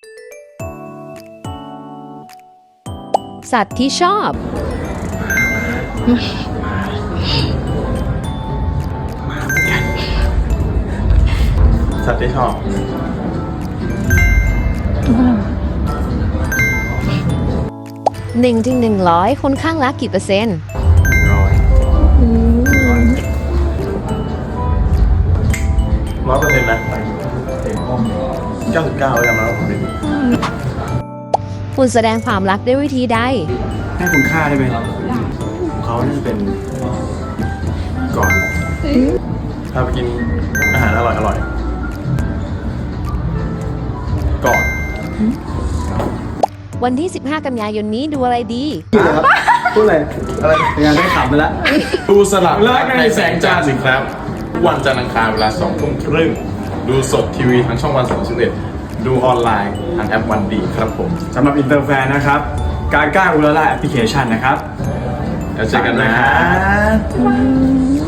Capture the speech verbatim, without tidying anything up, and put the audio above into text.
สัตว์ที่ชอบสัตว์ที่ชอบหนึ่งถึงหนึ่งร้อยคนข้างรักกี่เปอร์เซ็นต์ร้อยร้อยเปอร์เซ็นต์นะเก้าสิบเก้าแล้วกันนะผมเป็นคุณแสดงความรักด้วยวิธีใดให้คุณค่าได้ไหมเขาน่าจะเป็นก่อนถ้าไปกินอาหารอร่อยอร่อยก่อนวันที่ สิบห้า กันยายนนี้ดูอะไรดีพูดอะไรอะไรงานได้ขำไปแล้วดูสลับรักในแสงจันทร์สิครับ วันจันทร์อังคารเวลาสองทุ่มครึ่งดูสดทีวีทั้งช่องวันสามสิบเอ็ดดูออนไลน์ทางแอปวันดีครับผมสำหรับอินเตอร์แฟนนะครับ การก้าอุลาล่าแอปพลิเคชันนะครับแล้วเจอกันนะ